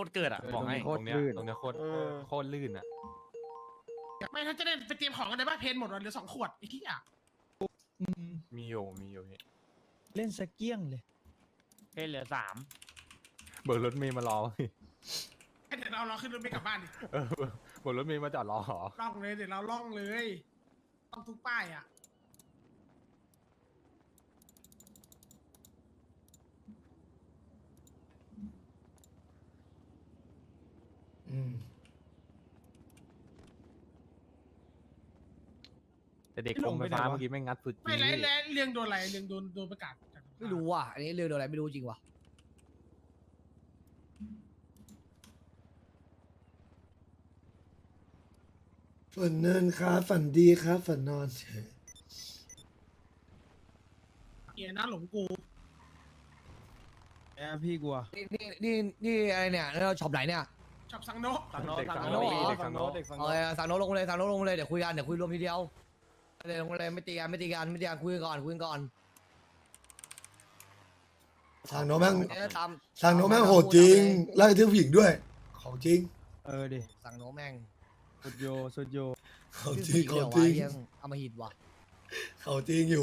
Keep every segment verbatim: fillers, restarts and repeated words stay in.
ตรเกิดอ่ะบอกให้โคตรลื่นตรงเนี้ยโคตรโคตรลื่นอ่ะไม่ถ้าจะได้ไปเตรียมของกันได้บ้าเพนหมดวันเหลือสองขวดไอ้ที่อ่ะมีอยู่มีอยู่พี่เล่นสเกี้ยงเลยเพนเหลือสามเบิร์รถเมย์มารอพี่เดี๋ยวเราเราขึ้นรถไปกลับบ้านดิเออเบิร์รถเมย์มาจอดรอหรอล่องเลยเดี๋ยวเราล่องเลยต้องทุกป้ายอ่ะอืมแต่เด็กกรมไฟฟ้าเมื่อกี้ไม่งัดสุดจริไม่งไรแล้วเรียงโดนอะไรเรียงโดนโดนประกาศจากไม่รู้ว่ะ อันนี้เรื่องอะไรไม่รู้จริงว่ะฝันเนินครับฝันดีครับฝันนอนเฉยเกียร์นะหลงกูแอพี่กลัวนี่นี่นี่นี่อะไรเนี่ยเราช็อปไหนเนี่ยชอบสังโนสั่งโน้ตสั่งสั่งโน้โน้ตตเด็กสั่งโน้ตเออสั่งโน้ตลงเลยสั่งโน้ตลงเลยเดี๋ยวคุยกันเดี๋ยวคุยรวมทีเดียวเลยลงเลยไม่ตีกันไม่ตีกันไม่ตีกันคุยกันก่อนคุยกันก่อนทางโน้ตแม่งเดี๋ยวตามทางโน้ตแม่งโหดจริงไล่ทื่อผู้หญิงด้วย ของจริงเออดิสั่งโน้ตแม่งสุดโยสุดโยของจริงของจริงเดี๋ยววะเหี้ยเอามาหิดว่ะของจริงอยู่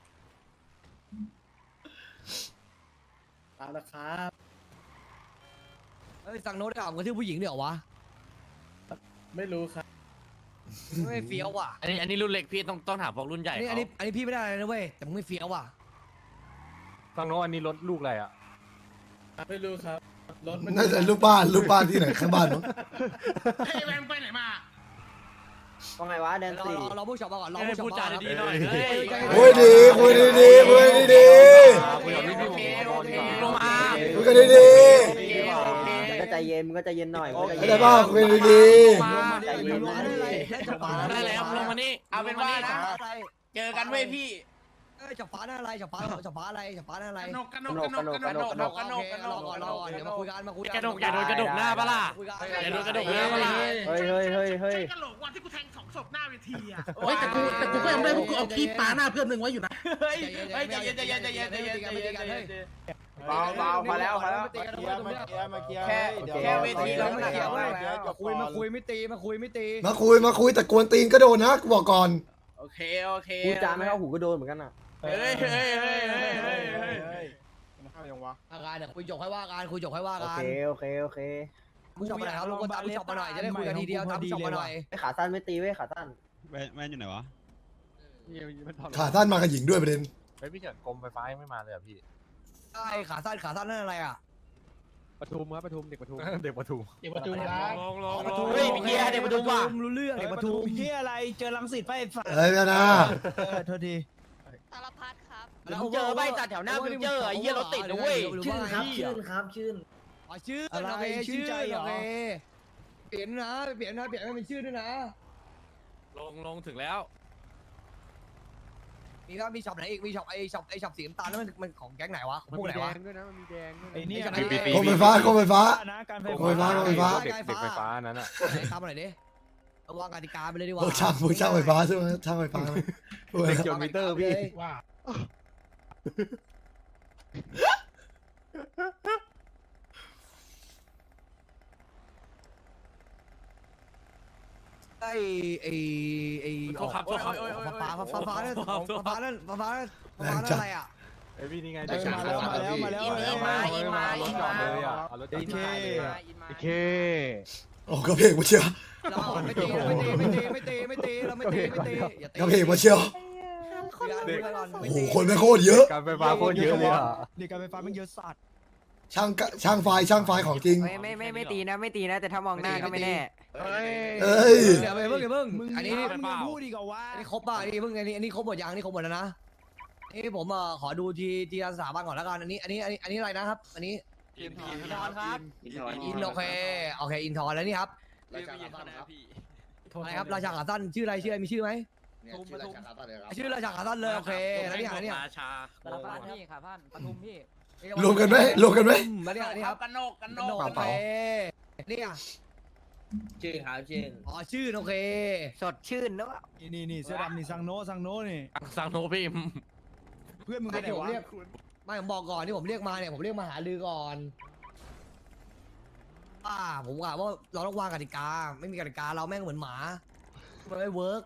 เอาละครับเอ้ยสั่งโน้ตได้ออกกันที่ผู้หญิงเดี๋ยววะไม่รู้ครับไม่เฟี้ยวว่ะอันนี้อันนี้รุ่นเล็กพี่ต้องต้องถามพวกรุ่นใหญ่อันนี้อันนี้อันนี้พี่ไม่ได้อะไรนะเว้ยแต่มึงไม่เฟี้ยวว่ะสั่งโน้ตอันนี้รถลูกอะไรอ่ะไม่รู้ครับ รถมันน่าจะลูกบ้านลูกบ้านที่ไหนข้างบ้านมั้งเฮ้ยแวงไปไหนมาว่าไงวะแดนเราสี่เราเราผู้ช็อปมาก่อนเราให้ผู้ช็อพูปดมาจาก่อนดีๆหน่อยเฮ้ยคุยดีคุยดีๆคุยดีคุยกับพี่พี่ลงมาๆคุยกันดีก็ใจเย็นมึงก็ใจเย็นหน่อยๆเข้าใจป่ะคุยดีใจเย็นได้อะไรได้จับฟ้าได้แล้วลงมานี่เอาเป็นว่านะอะไรเจอกันเว้ยพี่เอ้ยจับฟ้าได้อะไรจับฟ้าจับฟ้าอะไรจับฟ้าได้อะไรกระนกกระนกกระนกกระนกกระนกกระนกกระนรอก ก่อนรอก่อนเดี๋ยวมาคุยกันมาคุยกันกระดกอย่าโดนกระดกหน้าปะล่ะคุยกันอย่าโดนกระดกหน้าปะล่ะเฮ้ยเฮ้ยเฮ้ยเฮ้ยใช่กระโหลกวันที่กูแทงสองศพหน้าเวทีอ่ะเฮ้ยแต่กูแต่กูก็ยังไม่ได้พวกกูเอาขี้ปลาหน้าเพื่อนมึงไว้อยู่นะเฮ้ยเฮ้ยใจเย็นใจเย็นใจเย็นใจเย็นใจเย็นใจเย็นเบาเบาพอแล้วพอแล้วแค่แค่เวทีเราไม่ไม่เกี่เกี่ยยว วเว้ยมาคุยมาคุยไม่ตีมาคุยไม่ตีๆมาคุยมาคุยแต่กวนตีนก็โดนนะกูบอกก่อนโอเคโอเคกูจามไม่เข้าหูก็โดนเหมือนกันอ่ะเฮ้ยเฮ้ยเฮ้ยเฮ้ยเฮ้ยเฮ้ยอาการเดี๋ยวคุยจบให้ว่ากันคุยจบให้ว่าโอกันเคโอเคโอเคผู้ชมมาหน่อยครับลงคนตามผู้ชมมาหน่อยจะได้คุยกันทีเดียวตามผู้ชมมาหน่อยไอ้ขาสั้นไม่ตีเว้ยขาสั้นแว่นแว่นอยู่ไหนวะขาท่านมากับหญิงด้วยประเด็นเฮ้ยพี่เฉินกรมไฟฟ้ายังไม่มาเลยอ่ะพี่ใช่ขาสั้นขาสั้นนั่นอะไรอ่ะปทุมครับปทุมเด็กปทุมเด็กปทุมเด็กประตูนะลงลงลงเฮ้ยมีเกียร์เดี๋ยวมาดูว่ะรู้เรื่องเด็กประตูเฮียอะไรเจอลังสิตไปฝ่าเอ้ยนะนะเออโทษทีสารพัดครับมึงเจอใบจัดแถวหน้าฟิวเจอร์ไอ้เหี้ยรถติดนะเว้ยชื่อครับชื่นครับชื่นอ๋อชื่ออะไรโอเคชื่นใจเหรอโอเคเปลี่ยนนะเปลี่ยนนะเปลี่ยนให้เป็นชื่อด้วยนะลงลงถึงแล้วมีก็มีช็อปไหนอีกมีช็อปไอช็อปไอช็อปสีน้ำตาลนั่นมันมันของแก๊งไหนวะของพวกไหนวะไอ้นี่ไอ้นะนี่กรมไฟฟ้ากรมไฟฟ้านะการไฟโอ้ยฟ้าโอ้ยฟ้าเด็กเด็กไฟฟ้านั้นอ่ะไหนตามมาหน่อยดิเอาวางกติกาไปเลยดีกพว่าวกช่างพวกช่างไฟฟ้าใช่ไหมช่างไฟฟ้าไหมพวกเด็กเกี่ยวมิเตอร์พี่ว่าไอไอไอโทษครับโทษครับฟ้าฟ้าฟ้าฟ้านั่นของฟ้านั่นฟ้าฟ้านั่นฟ้านั่นอะไรอ่ะไอพี่นี่ไงเออมาแล้วมาแล้วมาแล้วอินเอมาออินมาอินมาเลยอ่ะเอารถจอดไอ้เคไอ้เคโอ้กระเพกมาเชียวเราไม่ตีไม่ตีไม่ตีไม่ตีไม่ตีเราไม่ตีไม่ตีอย่าตีกระเพกมาเชียวเด็กโอ้โหคนไม่โคตรเยอะการไฟฟ้าโคตรเยอะเลยอ่ะเด็กการไฟฟ้ามันเยอะสัตว์ช่างกะช่างไฟช่างไฟของจริงไม่ไม่ไม่ไม่ตีนะไม่ตีนะ แต่ถ้ามองหน้าก็ไม่แน่เอ้ยเดี๋ยวไปเพิ่งเดี๋ยวเพิ่งมึงอันนี้มึงยังพูดอีกเหรอวะอันนี้ครบป่ะอันนี้เพิ่งอันนี้อันนี้ครบหมดยังอันนี้ครบหมดแล้วนะนี่ผมเอ่อขอดูทีทีละสถาบันก่อนแล้วกันอันนี้อันนี้อันนี้อันนี้อะไรนะครับ อันนี้อินทอนครับอินโอเคโอเคอินทอนแล้วนี่ครับราชาขาสั้นครับอะไรครับราชาขาสั้นชื่ออะไรชื่ออะไรมีชื่อไหมทุมปทุมชื่อราชาขาสั้นเลยโอเคแล้วเนี่ยอันนี้ราชาสารพัดพี่ค่ะพันปทุมพี่รวมกันไหมรวมกันไหมแล้วเนี่ยอันนี้ครับกันโนกกันโนโอก เคนี่อ่ะชื่อครับชื่นอ๋อชื่อโอเคสดชื่นนะวะนี่นี่นี่เสื้อดำนี่ซังโนซังโนนี่สังโนพิมเพื่อนมึงไปไหนที่ผมวะเรียกไม่ผมบอกก่อนที่ผมเรียกมาเนี่ยผมเรียกมาหาลือก่อนอ่าผมว่าว่าเราต้องวางกติกา ไม่มีกติกาเราแม่งเหมือนหมามันไม่เวิร์ก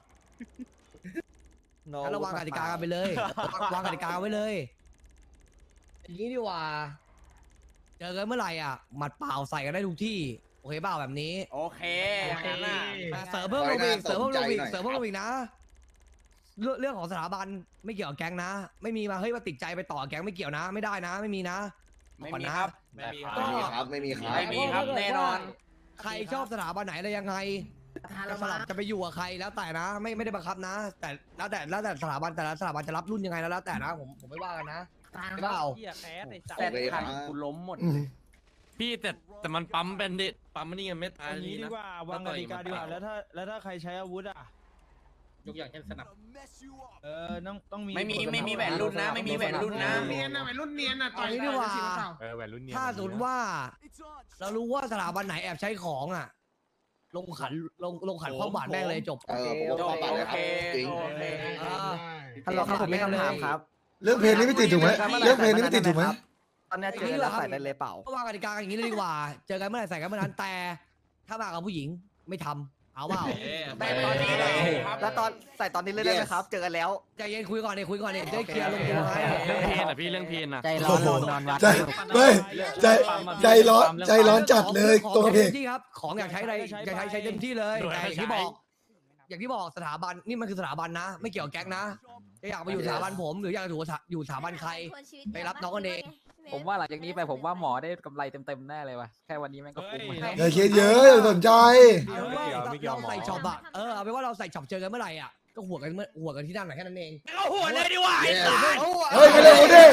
งั้นเราวางกติกากันไปเลย วางกติกาไว้เลยอย่างนี้ดีกว่าเจอกันเมื่อไหร่อ่ะหมัดเปล่าใส่กันได้ทุกที่โอเคเปล่าแบบนี้โอเคอย่างนั้นน่ะแต่เสริมเพิ่มลงอีกเสริมเพิ่มลงอีกเสริมเพิ่มลงอีกนะ เรื่องเรื่องของสถาบันไม่เกี่ยวกับแก๊งนะ ไม่มีมาเฮ้ยมาติดใจไปต่อแก๊งไม่เกี่ยวนะ ไม่ได้นะ ไม่มีนะไม่มีครับไม่มีคก็รับไม่มีครับไม่มีครับแน่นอนใครชอบสถาบันไหนอะไรยังไงจะสลับจะไปอยู่กับใครแล้วแต่นะ ไม่ไม่ได้บังคับนะ แต่แล้วแต่แล้วแต่สถาบันแต่ละสถาบันจะรับรุ่นยังไงแล้วแล้วแต่นะผมผมไม่ว่ากันนะไม่ว่าเอาเหี้ยแคสไอ้สัตว์แต่ทันกูล้มหมดอืมพี่แต่แต่มันปั๊มเป็นดิปั๊มมันนี่ยังไม่ตายอันนี้ดีกว่าวางกติกาดีกว่าแล้วถ้าแล้วถ้าใครใช้อาวุธอ่ะยกอย่างเช่นสนับเออต้องต้องมีไม่มีไม่มีแหวนรุ่นนะ ไม่มีแหวนรุ่นนะเนียนนะวัยรุ่นเนียนนะต่อยเอางี้ดีกว่าต่อยเปล่าเออแหวนรุ่นเนี้ยถ้าสมมติว่า เรารู้ว่าสถาบันไหนแอบใช้ของอ่ะ ลงขันลงลงขันความบาดแม่งเลยจบเออผมว่าความบาดเลยครับจริงโอเคอ่าฮัลโหลครับผมมีคำถามครับเรื่องเพลงนี้ไม่ติดถูกไหมเรื่องเพลงนี้ไม่ติดถูกไหมตอนนี้เจอแล้วใส่ได้เลยเปล่าก็วางกติกากันอย่างนี้เลยดีกว่า เจอกันเมื่อไหร่ใส่กันเมื่อนั้นแต่ ถ้ามากับผู้หญิงไม่ทำเอาเปล่าแต่ตอนนี้เลยแล้วตอนใส่ตอนนี้เลยได้ไหมครับ เจอกันแล้วใจเย็นคุยก่อนเนี่ยคุยก่อนเนี่ยจะได้เคลียร์ลงตัวให้เรื่องเพนอ่ะพี่เรื่องเพนอ่ะใจร้อนนอนวัดใจไม่ใจใจร้อนใจร้อนจัดเลยของตัวของเพลเต็งมที่ครับ ของอยากใช้อะไรอยากใช้ใช้เต็มที่เลยแต่อย่างที่บอก อย่างที่บอกสถาบันนี่มันคือสถาบันนะ ไม่เกี่ยวกับแก๊งนะจะอยากมาอยู่สถาบันผมหรืออยากจะอยู่อยู่สถาบันใคร ไปรับน้องกันเองผมว่าหลังจากนี้ไปผมว่าหมอได้กำไรเต็มๆแน่เลยว่ะแค่วันนี้แม่งก็คุ้มอย่าคิดเยอะอย่าสนใจเอาเป็นว่าเราใส่ช็อปอะเออเอาเป็นว่าเราใส่ช็อปเจอกันเมื่อไหร่อะก็หัวกันเมื่อหัวกันที่นั่นแหละแค่นั้นเองเอาหัวเลยดีกว่าไอ้สัตว์เฮ้ยไม่เล่นกูดิ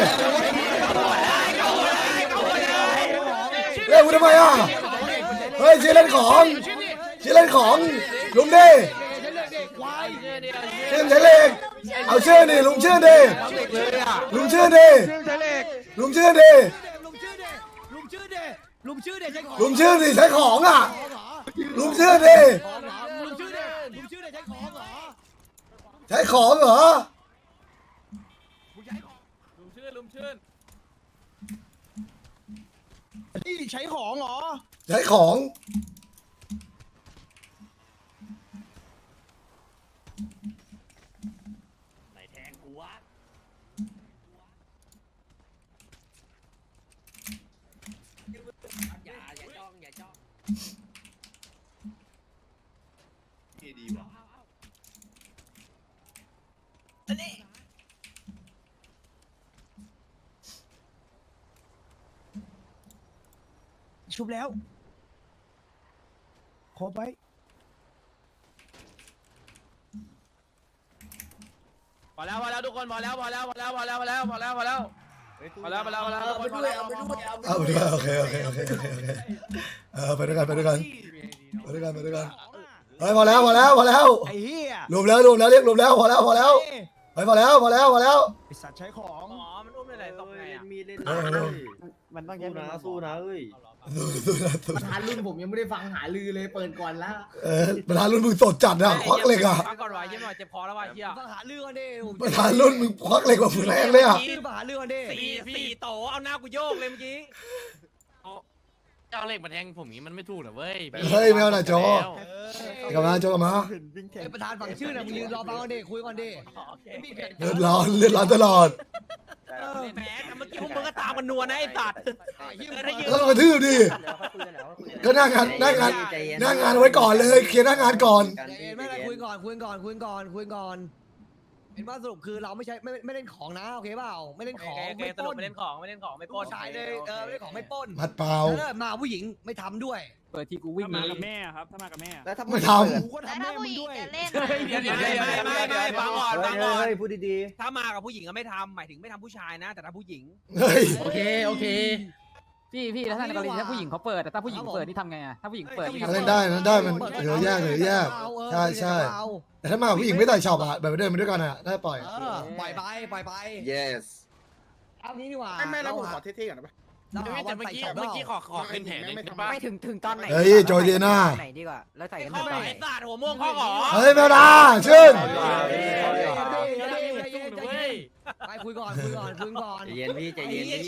เล่นกูทำไมอ่ะเฮ้ยชื่อเล่นของชื่อเล่นของลุงดิชื่อใช้เหล็กเอาชื่อดิลุงชื่อดิลุงชื่อดิลุงชื่อดิลุงชื่อเดลุงชื่อเดลุงชื่อเดใช้ของลุงชื่อดิใช้ของอ่ะของเหรอลุงชื่อดิของเหรอลุงชื่อเดลุงชื่อเดใช้ของเหรอใช้ของเหรอลุงชื่นลุงชื่นนี่ใช้ของเหรอใช้ของไหนแทงกูวะ อย่าอย่าจ้องอย่าจ้องดีว่ะชุบแล้วครบไปพอแล้วพอแล้วทุกคนพอแล้วพอแล้วพอแล้วพอแล้วพอแล้วพอแล้วพอแล้วพอแล้วพอแล้วพอแล้วทุกคนพอแล้วเอาไปด้วยโอเคโอเคโอเคโอเคโอเคเออไปด้วยกันไปด้วยกันไปด้วยกันไปด้วยกันเฮ้ยพอแล้วพอแล้วพอแล้วไอ้เหี้ยรวมแล้วรวมแล้วเรียกรวมแล้วพอแล้วพอแล้วเฮ้ยพอแล้วพอแล้วพอแล้วไอสัตว์ใช้ของอ๋อมันอุ้มได้ไหนตกไงอ่ะมีเล่นเออเออมันต้องแยกนะสู้นะเอ้ยสู้นะสู้ประธานรุ่นผมยังไม่ได้ฟังหาลือเลยเปิดก่อนแล้วเออประธานรุ่นมึงสดจัดอะควักเหล็กอะฟังก่อนวะเยี่ยมหน่อยเจ็บคอแล้ววะเฮียมาหาเรื่องกันดิผมประธานรุ่นมึงควักเหล็กกว่าฝึกแรงเลยอะชื่อมาหาเรื่องกันดิสี่สี่โตเอาหน้ากูโยกเลยเมื่อกี้เจ้าเหล็กมาแทงผมนี้มันไม่ถูกหรอเว้ยเฮ้ยไม่เอาหน่ะโจกลับมาโจกลับมาไอ้ประธานฝั่งชื่อน่ะมึงยืนรอฟังกันดิคุยก่อนดิมีเพจเลือดร้อนเลือดร้อนตลอดแหมเมื่อกี้พวกมึงก็ตามกันนัวนะไอ้สัตว์ถ้ายืนแล้วก็กระทืบดิก็หน้างานหน้างานหน้างานเอาไว้ก่อนเลยเคลียร์หน้างานก่อนใจเย็นไม่เป็นไรคุยก่อนคุยก่อนคุยก่อนคุยก่อนเป็นว่าสรุปคือเราไม่ใช่ไม่ไม่เล่นของนะโอเคเปล่าไม่เล่นของโอเคไม่สรุปล้ปนไม่เล่นของไม่เล่นของไม่ปล้นใช่เลยเออไม่เล่นของไม่ปล้นมัดเปล่าแล้วมาผู้หญิงไม่ทำด้วยเปิดที่กูวิ่งมากับแม่ครับ ถ้ามากับแม่แล้วถ้าไม่ทกูก็ทำแม่มึงด้วยเดี๋ยวเดี๋ยวไม่ไม่ไม่ฟังก่อนฟังก่อนเฮ้ยพูดดีถ้ามากับผู้หญิงก็ไม่ทำหมายถึงไม่ทำผู้ชายนะ แต่ถ้าผู้หญิงำเฮ้ยโอเคโอเคพี่พี่แล้วถ้าในกรณีถ้าผู้หญิงเขาเปิดแต่ถ้าผู้หญิงเปิดนี่ทำไงอะถ้าผู้หญิงเปิดนี่ทำเล่ไงนได้นะได้มันเหลือแยกเหลือแยก ใช่ใช่ แต่ถ้ามากับผู้หญิงไม่ใส่ช็อปอะแบบเดินไปด้วยกันอะได้ปล่อยเออปล่อยไปปล่อยไป yes เอางี้ดีกว่าไม่ไม่แล้วผมเราขอเท่ๆก่อนได้ปะเราหาแต่วันเมื่อใส่กี้ช็อปเมื่อกี้ขเราอขอขึ้นแผนหนึ่งได้ปะไม่ถึงถึงตอนไหนเฮ้ยโจเยน่าไหนดีกว่าแล้วใส่กันข้อตอนไหนไหนศาสตร์หัวม่วงข้อหอเฮ้ยแมวดาชื่นไปคุยก่อนคุยก่อนคุยก่อนๆใจเย็นพี่ใจเย็นไอ้เหี้ยพี่ชื่อ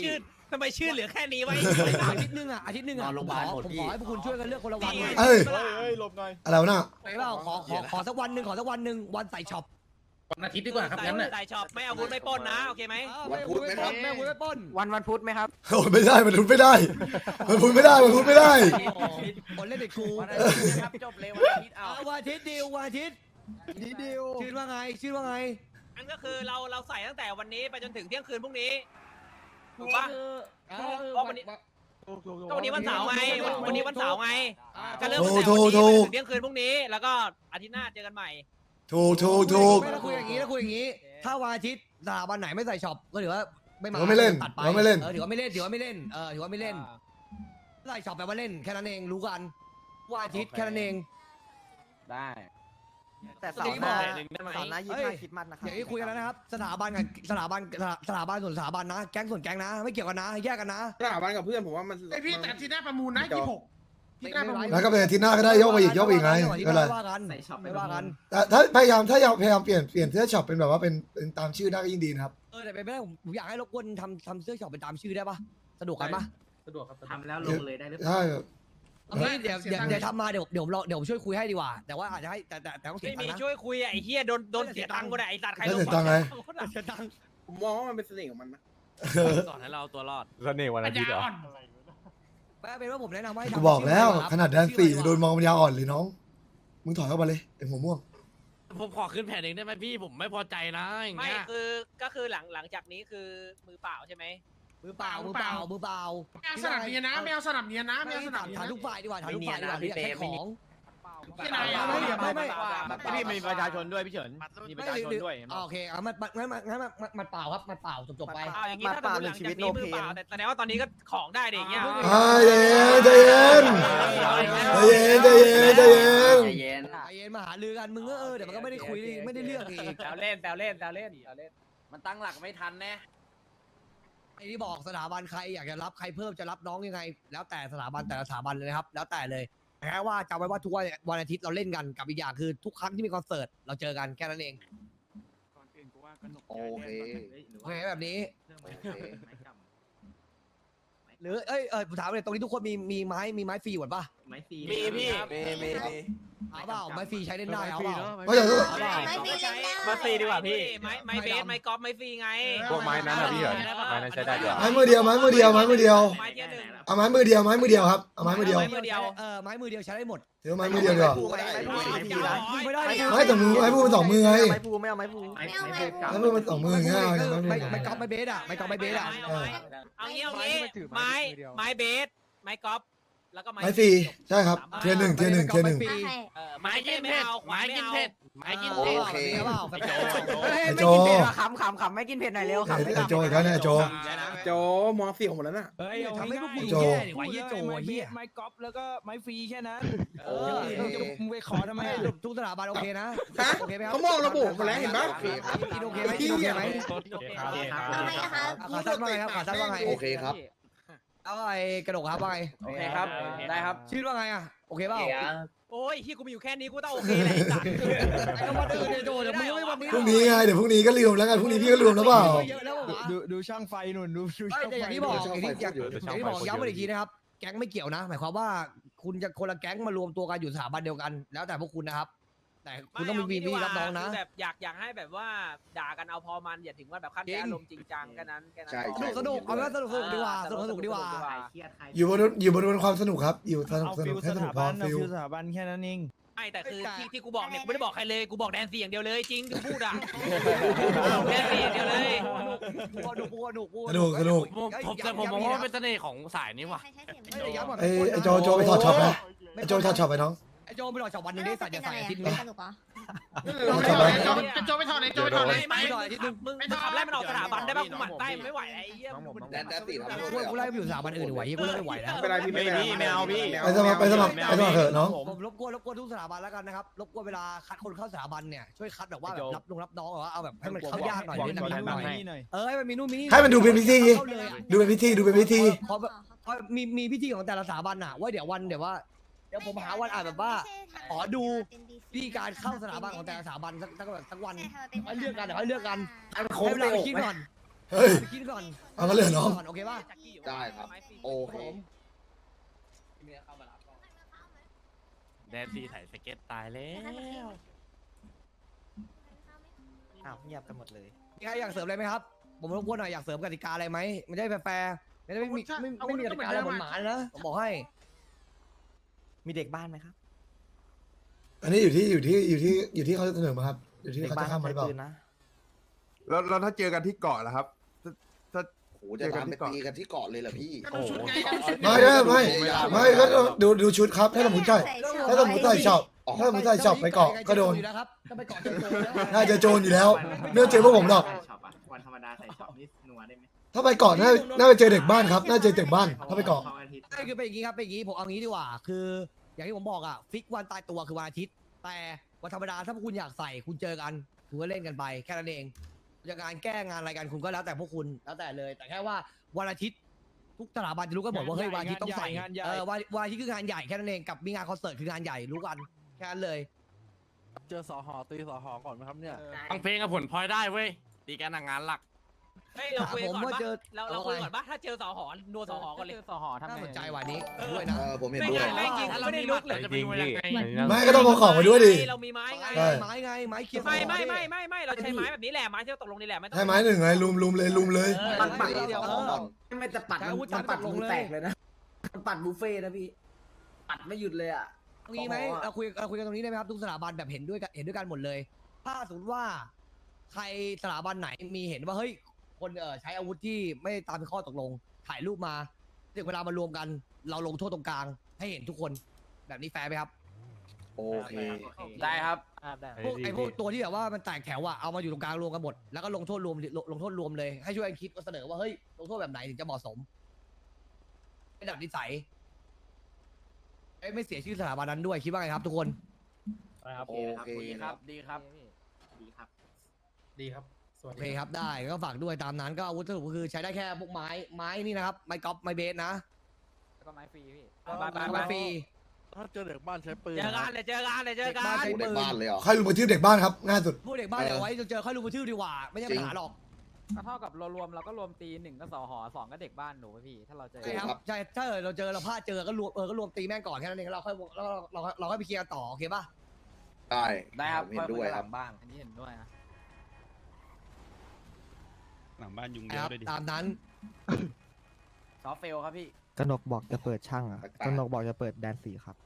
ทำไมชื่อเหลือแค่นี้ไว้อาทิตย์หนึงอ่ะอาทิตย์หนึงอ่ะผมขอผมขอให้พวกคุณช่วยกันเลือกคนละวันเอ้ยเฮ้ยหลบหน่อยอะไรวะน่ะไปเปล่าขอขอขอสักวันหนึ่งขอสักวันหนึ่งวันใส่ช็อปวันอาทิตย์ดีกว่าครับงั้นน่ะใส่ช็อปไม่เอาวุธไม่ปล้นนะโอเคไหมวันพุธไม่ปล้นไม่ไม่ปล้นวันวันพุธไหมครับโอ้ยไม่ได้มันพูดไม่ได้มันพูดไม่ได้มันพูดไม่ได้คนเล่นเด็กครูวันอาทิตย์นะครับจบเลยวันอาทิตย์เอาเอาวันอาทิตย์ดิววันอาทิตย์นี่ดิวชื่อว่าไงชื่อว่าไงนั่นก็คือเราเราใส่ตั้งแต่วันนี้ไปจนถึงเที่ยงคืนพรุ่งนี้ถูกปะก็วันนี้ก็วันนี้วันเสาร์ไงวันวันนี้วันเสาร์ไงก็เริ่มตั้งแต่วันนี้ไปจนถึงเที่ยงคืนพรุ่งนี้แล้วก็อาทิตย์หน้าเจอกันใหม่ถูกถูกถูกไม่ต้องคุยอย่างนี้แล้วคุยอย่างนี้ ถ้าวันอาทิตย์สถาบันไหนไม่ใส่ช็อปก็ถือว่าไม่มาถือว่าไม่เล่นตัดไปถือว่าไม่เล่นเออถือว่าไม่เล่นถือว่าไม่เล่นเออถือว่าไม่เล่นใส่ช็อปแปลว่าเล่นแค่นั้นเองรู้กันวันอาทิตย์แค่นั้นเองได้แต่เสาร์หน้าเสาร์หน้ายี่สิบห้าคริสต์มาสนะครับอย่างที่คุยกันแล้วนะครับ สถาบันกับสถาบันสถาบันส่วนสถาบันนะแก๊งส่วนแก๊งนะ ไม่เกี่ยวกันนะแยกกันนะสถาบันกับเพื่อนผมว่ามันไอพี่แต่อาที่หน้าประมูลนะยี่สิบหกที่หน้าประมูลแล้วก็เป็นอาทิตย์หน้าก็ได้ยกไปอีกยกไปอีกไงไม่ก็เลยว่ากันไม่ว่ากันแต่ถ้าพยายามถ้าอยากพยายามเปลี่ยนเปลี่ยนเสื้อช็อปเป็นแบบว่าเป็นเป็นตามชื่อได้ก็ยิ่งดีนะครับเออแต่เป็นไม่ได้ผมผมอยากให้รบกวนทำทำเสื้อช็อปเป็นตามชื่อได้ปะสะดวกกันปะสะดวกครับทำแล้วลงเลยได้หรือเปล่าใช่เอางี้เดี๋ยวเดี๋ยวเดี๋ยวทำมาเดี๋ยวเดี๋ยวเราเดี๋ยวผมช่วยคุยให้ดีกว่า แต่ว่าอาจจะให้แต่แต่แต่ต้องเสียไม่ตังมีค์นะช่วยคุยอ่ะไอ้เฮียโดนโดนเสียตังค์ก็ได้ไอ้สัตว์ใครแล้วลงเสียตังค์ไงเสียตังค์ผมมองว่ามันเป็นเสน่ห์ของมันนะสอนให้เราตัวรอดเสน่ห์วันปัอาญทิตญาย์เหรออ่อนไม่เป็นว่าผมแนะนำให้ทำกูบอกแล้วชื่ขนาดแดนสี่โดนมองปัญญาอ่อนเลยน้อง มึงถอยเข้ามาเลยไอ้หัวม่วงผมขอขึ้นแผ่นเองได้ไหมพี่ผมไม่พอใจนะอย่างเงี้ยไม่คือก็คือหลังหลังจากนี้คือมือเปล่าใช่ไหมมือเปล่ามือเปล่ามือเปล่าไม่เอาสนับเนียนนะไม่เอาสนับเนียนนะไม่เอาสนับเนียนถามนะทุกฝ่ายดีกว่าถามทุกฝ่ายดีกว่าที่อยากใช้ของที่ไหนอะไม่ไม่ไม่พี่มีประชาชนด้วยพี่เฉินมีประชาชนด้วยโอเคเอามันงั้นงั้นมันเปล่าครับมันเปล่าจบจบไปอ้าวอย่างงี้ถ้าสมมติหลังจากนี้มือเปล่าแต่แสดงว่าตอนนี้ก็ของได้ดิอย่างเงี้ยอ่าใจเย็นใจเย็นใจเย็นใจเย็นใจเย็นใจเย็นใจเย็นมาหาลือกันมึงก็เออเดี๋ยวมันก็ไม่ได้คุยไม่ได้เรื่องอีกแซวเล่นแซวเล่นแซวเล่นแซวเล่นมันตั้งหลักไม่ทันแน่ไอ้ที่บอกสถาบันใครอยากจะรับใครเพิ่มจะรับน้องยังไง แล้วแต่สถาบันแต่ละสถาบันเลยนะครับ แล้วแต่เลยแค่ว่าจำไว้ว่าทุกวันวันอาทิตย์เราเล่นกันกับอีกอย่างคือทุกครั้งที่มีคอนเสิร์ตเราเจอกันแค่นั้นเองโอเคโอเคแบบนี้ หรือเอ้ยเออผมถามเลยตรงนี้ทุกคนมีมีไม้มีไม้ฟรีหมดป่ะไม่ฟรีมีพี่มีมีมีเอาเปล่าไม้ฟรีใช้เล่นได้เอาเปล่าไม่อยากรู้ไม่ฟรีมาฟรีดีกว่าพี่ไม้ไม้เบสไม้กอล์ฟไม้ฟรีไงพวกไม้นั้นนะพี่เฉินไม้นั้นใช้ได้ด้วยไม้มือเดียวไม้มือเดียวไม้มือเดียวไม้เทียหนึ่งเอาไม้มือเดียวไม้มือเดียวครับเอาไม้มือเดียวไม้มือเดียวเออไม้มือเดียวใช้ได้หมดถือว่าไม้มือเดียวดีกว่าไม่ได้ไม่แต่มือไม้พูดมันสองมือไงไม้พูไม่เอาไม้พูไม้พูดมันสองมืออย่างเงี้ยไงไม้มือไม่ไม่กอล์ฟไม่เบสอ่ะไม่กอล์ฟไม่เบสอ่ะเอางี้เอางี้ไม้ไม้เบสไม้กอล์ฟแล้วก็ไม้ไม้ฟรีใช่ครับเทียร์หนึ่งเทียร์หนึ่งเทียร์หนึ่งไม้กินเผ็ดไม้กินเผ็ดไม้กินโอเผ็ดเคเปล่าไอ้โจขำขำขำไม่กินเผ็ดหน่อยเร็วไอ้ไอ้โจอีกแล้วเนี่ยไอ้โจโจมองเสี่ยวหมดแล้วน่ะเฮ้ยทำให้พวกคุณโจแย่ดิวะเฮียโจเฮียไม้กอล์ฟแล้วก็ไม้ฟรีแค่นั้นเออมึงไปขอทำไมไม่อะทุกสถาบันโอเคนะฮะโอเคไหมครับเขามองระบบหมดแล้วเห็นปะกินโอเคไหมกินโอเคไหมทำไมอะครับขาสั้นว่าไงครับขาสั้นว่าไงโอเคครับเอาไอ้กระดกครับว่าไงโอเคครับ ได้ครับชื่อว่าไงอ่ะโอเคเปล่าโอ้ยที่กูมีอยู่แค่นี้กูต้องโอเคเลยสัตว์ไอ้ก็วันอื่นเนี่ยโจเดี๋ยวมึงไม่วันนี้พรุ่งนี้ไงเดี๋ยวพรุ่งนี้ก็ลืมแล้วกันพรุ่งนี้พี่ก็ลืมแล้วเปล่าเยอะแล้วเหรอดูดูช่างไฟหนุนดูดูเอ้ยช่างแต่อไฟย่างที่บอกอย่างที่อย่างอย่างที่บอกย้ำมาอีกทีนะครับ แก๊งไม่เกี่ยวนะ หมายความว่าคุณจะคนละแก๊งมารวมตัวกันอยู่สถาบันเดียวกัน แล้วแต่พวกคุณนะครับ แต่คุณต้องมีวีวีรับน้องนะแบบอยากอยากให้แบบว่าด่ากันเอาพอมันอย่าถึงว่าแบบขั้นแค่อารมณ์จริงจังแค่นั้นแค่นั้นสนุกสนุกเอาไว้สนุกสนุกดีกว่าสนุกสนุกดีกว่าอยู่บนอยู่บนบนความสนุกครับ อยู่สนุกเอาสฟินุลกให้สสนุกถาพอบันเอาฟิลฟิลสถาบันแค่นั้นเองไม่แต่คือที่ที่กูบอกเนี่ยกูไม่ได้บอกใครเลยกูบอกแดนซี่อย่างเดียวเลยจริงกูพูดอ่ะแดนซี่อย่างเดียวเลยสนุกสนุกสนุกสนุกผมผมแต่ผมมองว่ามันเป็นเสน่ห์ของสายนี้ว่ะไม่ได้ย้ำว่าไอ้ไอ้โจโจไปถอดช็อปไหมไอ้โจถอดช็อปไปน้องไอ้โจไปหลอกช็อปวันนึงได้ใส่เดี๋ยวใส่อาทิตย์นึงสนุกเหรอโจโจไปถอดเลยโจไปถอดเลยไม่อาทิตย์นึงมึงขับไล่มันออกสถาบันได้ป่ะกูหมั่นไส้ไม่ไหวไอ้เหี้ยแดนแดนสี่ทำกูกูไล่ไปอยู่สถาบันอื่นไหวกูเลิกไม่ไหวแล้วไม่เป็นไรพี่ไม่เป็นไรไม่เอาพี่ไปสมัครไปสมัครไปสมัครเถอะน้องผมรบกวนรบกวนทุกสถาบันแล้วกันนะครับรบกวนเวลาคัดคนเข้าสถาบันเนี่ยช่วยคัดแบบว่าแบบรับลงรับน้องแบบว่าเอาแบบให้มันเข้ายากหน่อยบอกนิดหบอกน่อยหน่หน่อยอยหน่อยเออให้มันมีนู่นมีนี่ให้มันดูเป็นพิธีเข้าเลยอะดูเป็นพิธีดูเป็นพิธีเพราะเพราะมีมีพิธีของแต่ละสถาบันอะว่าเดี๋ยววันเดี๋ยวว่าเดี๋ยวผมหาวันอ่านแบบว่าขอดูวิธีการเข้าสถาบันของแต่ละสถาบันสักสักแบบสักวันให้เลือกกันเดี๋ยวให้เลือกกันให้เวลาไปคิดก่อนเฮ้ยไปคิดก่อนเอางั้นเลยเหรอน้องโอเคป่ะได้ครับโอเคแดนซีถ่ายสเก็ตตายแล้วอ้าวเงียบกันหมดเลยมีใครอยากเสริมอะไรไหมครับ ผมรบกวนหน่อยอยากเสริมกติกาอะไรไหมมันจะได้แฟร์ๆไม่ได้ไม่มีไม่ไม่มีกติกาอะไรหมานๆนะผมบอกให้มีเด็กบ้านไหมครับอันนี้อยู่ที่อยู่ที่อยู่ที่อยู่ที่เขาจะเสนอมาครับอยู่ที่เด็กเขาบ้านจะข้ามมาหรือเปล่าปืนนะแล้วแล้วถ้าเจอกันที่เกาะล่ะครับถ้าโหจะตามไปตีกันที่เกาะเลยเหรอพี่ก็ดูชุดไงก็ดูชุดไม่ได้ไม่ไม่ก็ต้องดูดูชุดครับถ้าสมมติใช่ถ้าสมมติใส่ชอบถ้าสมมติใส่ชอบไปเกาะก็โดนอยู่แล้วครับต้องไปเกาะเจอโจรนะน่าจะโจรอยู่แล้วเนื่องเจอพวกผมหรอกวันธรรมดาใส่ช็อปนี่นัวได้ไหมถ้าไปเกาะน่าน่าจะเจอเด็กบ้านครับน่าจะเจอเด็กบ้านถ้าไปเกาะใช่คือเป็นอย่างนี้ครับเป็นอย่างนี้ผมเอางี้ดีกว่า คือ อย่างที่ผมบอกอ่ะฟิกวันตายตัวคือวันอาทิตย์ แต่วันธรรมดาถ้าพวกคุณอยากใส่คุณเจอกันคุณก็เล่นกันไปแค่นั้นเองจะงานแก้งานอะไรกันคุณก็แล้วแต่พวกคุณแล้วแต่เลย แต่แค่ว่าวันอาทิตย์ทุกสถาบันจะรู้กันหมดว่าเฮ้ยวันอาทิตย์ต้องใส่งานใหญ่เออวันวันอาทิตย์คืองานใหญ่แค่นั้นเองกับมีงานคอนเสิร์ตคืองานใหญ่รู้กันแค่นั้นเลยเจอสอหอตีสอหอก่อนไหมครับเนี่ยฟังเพลงกับผลพลอยได้เว้ยตีกันงานหลักเฮ้ยเราคุยกันก่อนผมว่าปะเจอเราเราคุยกันก่อนปะถ้าเจอสอหอนัวสอหอก่อนเลยสอหอทำน่าไงสนใจวันนี้ด้วยนะเออผมเห็นไม่ด้วยงั้นแม่งยิงไม่ได้ลุกเลยจริงพี่ไม่ก็ต้องเอาของมาด้วยดิเรามีไม้ไงใช่ไม้ไงไม้เคียวไม่ไม่ไม่ไม่ไม่เราใช้ไม้แบบนี้แหละไม้ที่เราตกลงนี่แหละไม่ต้องให้ไม้หนึ่งไงลุมลุมเลยลุมเลยเออปัดปัดเดียวก่อนไม่จะปัดใช้มันอาวุธมันปัดลงมือเลแตยกเลยนะมันปัดบุฟเฟ่ต์นะพี่ ปัดไม่หยุดเลยอ่ะเอางี้ไหมเราคุยเราคุยกันตรงนี้ได้ไหมครับทุกสถาบันแบบเห็นด้วยกันเห็นด้วยกันหมดเลย ถ้าสมมติว่าใครสถาบันไหนมีเห็นว่าเฮ้ยคนเออใช้อาวุธที่ไม่ตามข้อตกลงถ่ายรูปมาถึงเวลามารวมกัน เราลงโทษตรงกลางให้เห็นทุกคนแบบนี้แฟร์ไหมครับโอเคได้ครับพวกไอ้พวกตัวที่แบบว่ามันแตกแถวอะเอามาอยู่ตรงกลางรวมกันหมดแล้วก็ลงโทษรวมลงลงโทษรวมเลยให้ช่วยกันคิดว่าเสนอว่าเฮ้ยลงโทษแบบไหนถึงจะเหมาะสมเป็นแบบนิสัยเอ้ยไม่เสียชื่อสถาบันนั้นด้วยคิดว่าไงครับทุกคนโอเคดีครับดีครับดีครับ ดีครับ สวัสโอดีเคครับได้ก็ฝากด้วยตามนั้นก็อาวุธสรุปก็คือใช้ได้แค่พวกไม้ไม้นี่นะครับไม้กอล์ฟไม้เบสนะแล้วก็ไม้ฟรีพี่ไปไปไม้ไปฟรีถ้าเจอเด็กบ้านใช้ปืนเจอกันเลยเจอกันเลยเจอกันบ้านใช้โอ้เด็กบ้านเลยเหรอใครลุมกระทืบเด็กบ้านครับง่ายสุดพวกเด็กบ้านเดี๋ยวไว้เจอค่อยรู้มือชื่อดีกว่าไม่ใช่ปัญหาหรอกก็เท่ากับเรารวมเราก็รวมตีหนึ่งก็สอหอสองก็เด็กบ้านหนูพี่ถ้าเราเจอใช่ครับใช่ถ้าเออเราเจอเราพลาดเจอก็รวมเออก็รวมตีแม่งก่อนแค่นั้นเองแล้วเราค่อยเราเราเราค่อยไปเคลียร์กันต่อโอเคป่ะได้ได้ครับผมเห็นด้วยครับบ้านอันนี้เห็นด้วยนะหลังบ้านยุงคเยรัอะบเลยดิตามนั้นซอฟเฟลครับพี่กนกบอกจะเปิดช่างอ่ะแปลกๆกนกบอกจะเปิดแดนสีครับ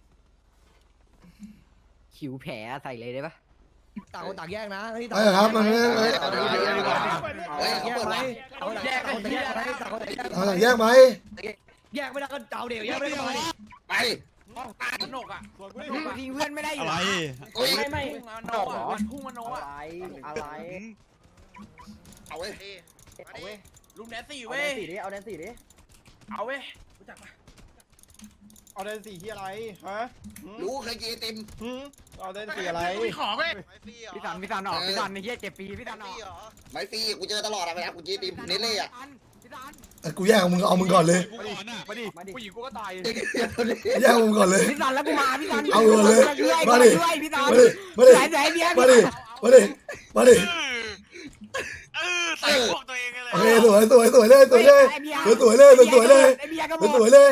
คิวแผลใส่เลยได้ปะต่างคนต่างแยกนะนี่เออครับมันไม่ไม่เฮ้ยแยเขากเปิดไหมวะต่างคนต่างแยกไหมต่างคนต่างแยกเอาหลังแยกไหมแยกไม่ได้ก็เจ้าเดียวแยกไม่ได้ก็มาดิไปสนุกอ่ะทิ้งเพื่อนไม่ได้อยู่อะไรเฮ้ยไม่ไม่โนเหรอพุ่งมาโนอะอ่ะไรอะไรเอาเว้ยเอาเว้ยลุงแดนสี่เอาเว้แดยนสี่ดิเอาแดนสี่ดิเอาเว้ยเอาแดนสีที่อะไรฮะรู้เคยกินไอติมเอาแดนสีอะไรไม่ขอเว้ยพี่สันพี่สันออกพี่สันในเฮียเจ็บปีพี่สันออกไม่ฟรีกูเจอตลอดอะไปนะกูกินไอติมเนเล่อะแต่กูแยกมึงเอามึงก่อนเลยมาดิผู้หญิงกูก็ตายแยกมึงก่อนเลยพี่สันแล้วกูมาพี่สันเอาเลยมาดิช่วยพี่สันมาดิมาดิไหนไหนเบียร์มาดิมาดิมาดิใส่พวกโอเคสวยสวยสวยเลยสวยเลยสวยสวยเลยสวยเลยไอเบียร์ก็บสอวยกสวยเลย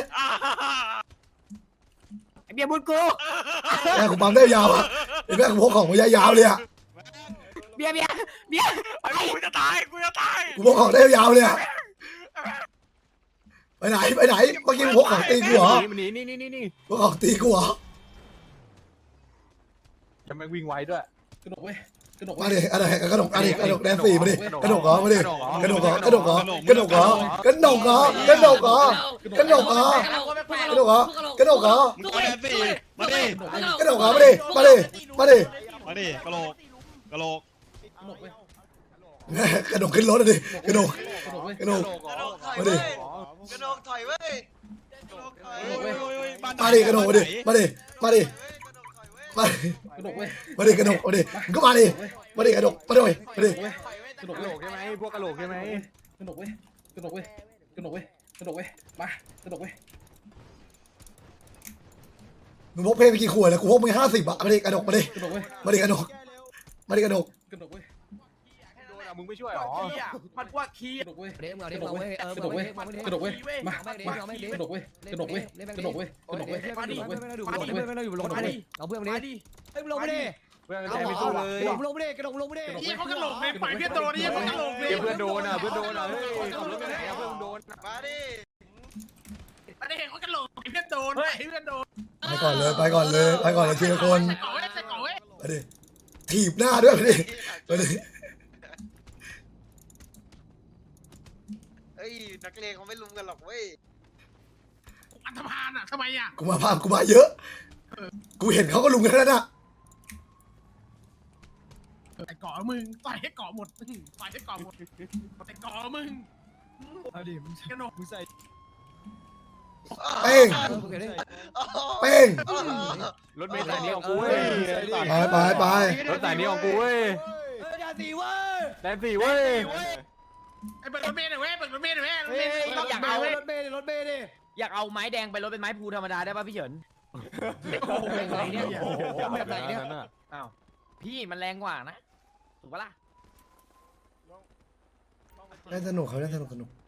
ไอเบียร์บุญกูแม่กูปั๊มได้ยาวอ่ะไอ้แม่กูพกของมายาวเลยอ่ะเบียร์เบียร์เบียร์ไอกูจะตายกูจะตายกูพกของได้ยาวเลยอ่ะไปไหนไปไหนเมื่อกี้มึงพกของตีกูเหรอนี่นี่นี่นี่นี่พกของตีกูเหรอจะไม่วิ่งไวด้วยกระดกเว้ยกระดกมาดิอะไรกระดกอะไรกระดกแดนสี่มาดิกระดกเหรอมาดิกระดกเหรอกระดกเหรอกระดกเหรอกระดกเหรอกระดกเหรอกระดกเหรอกระดกเหรอกระดกเหรอมึงเอาแดนสีมาดิกระดกเหรอมาดิมาดิมาดิมาดิกะโหลกกะโหลกกระดกเว้ยกระดกขึ้นรถเลยดิกระดกกระดกเว้ยกระดกมาดิกระดกถอยเว้ยมาดิกระดกมาดิมาดิมาดิมาดิกระดกเว้ยมาดิกระดกมาดิมึงก็มาดิมาดิกระดกมาดิมาดิกระดกกระโหลเว้ยกใช่ไหมพวกกระโหลกใช่ไหมกระดกเว้ยกระดกเว้ยกระดกเว้ยกระดกเว้ยมากระดกเว้ยมึงพกเพลงไปกี่ขวดแล้วกูพกมึงห้าสิบอะมาดิกระดกมาดิกระดกเว้ยมาดิกระดกมาดิกระดกกระดกเว้ยมึงไม่ช่วยหรอมันว่าคีกระดกเว้ยเดี๋ยวเอากเดี๋ยระวดกเอาเว้ยเออกระดกเว้ยเอากระดกเว้ยมากเอาไม่มาเอาไม่กระดกเว้ยกระดกเว้ยกระดกเว้ยกระดกเว้ยกระดกเว้ยไม่ได้กระดกเว้ยไม่ได้อยู่ไม่ได้อยู่ลงมาดิเอาเพื่อนมาดิเฮ้ยลงมาดิเพื่อนเอาใจไม่สู้เลยลงลงมาดิกระดกลงมาดิเฮียเขากระโหลกเลยปล่อยเพื่อนโดนเฮียเขากระโหลกเลยเพื่อนโดนอ่ะเพื่อนโดนอ่ะเฮ้ยขับรถไปไหนอ่ะเพื่อนโดนมาดิอันนี้เขากระโหลกเพื่อนโดนเฮ้ยเพื่อนโดนไปก่อนเลยไปก่อนเลยไปก่อนเลยทีละคนใส่ก่อเว้ยใส่ก่อเว้ยไปดิถีบหน้าด้วยไปดิไปดิเฮ้ยนักเลงเขาไม่ลุมกันหรอกเว้ยอันธพาลอ่ะทำไมอ่ะกูมาพามกูมาเยอะ กูเห็นเขาก็ลุมกันแล้วนะใส่ก่อมึงต่อยให้ก่อหมดต่อยให้ก่อหมดใส่ก่อมึงเอาดิมึงกระโหลกมึงใส่เป้งเป้งรถเมล์สายนี้ของกูเว้ยไปไปไปรถสายนี้ของกูเว้ยเฮ้ยอย่าสีเว้ยแดนสี่เว้ยไอ้เปิดรถเมล์หน่อยเว้ยเปิดรถเมล์หน่อยเว้ยรถเฮ้เมยล์อยากเอารถเมย์ดิรถเมย์ดิอยากเอาไม้แดงไปรถเป็นไม้ภูธรรมดาได้ป่ะพี่เฉินแบบไหนเนี่ยแบบไหนเนี่ยอ้าวพี่มันแรงกว่านะถูกปะล่ะเล่นสนุกเขาเล่นสนุกสนุก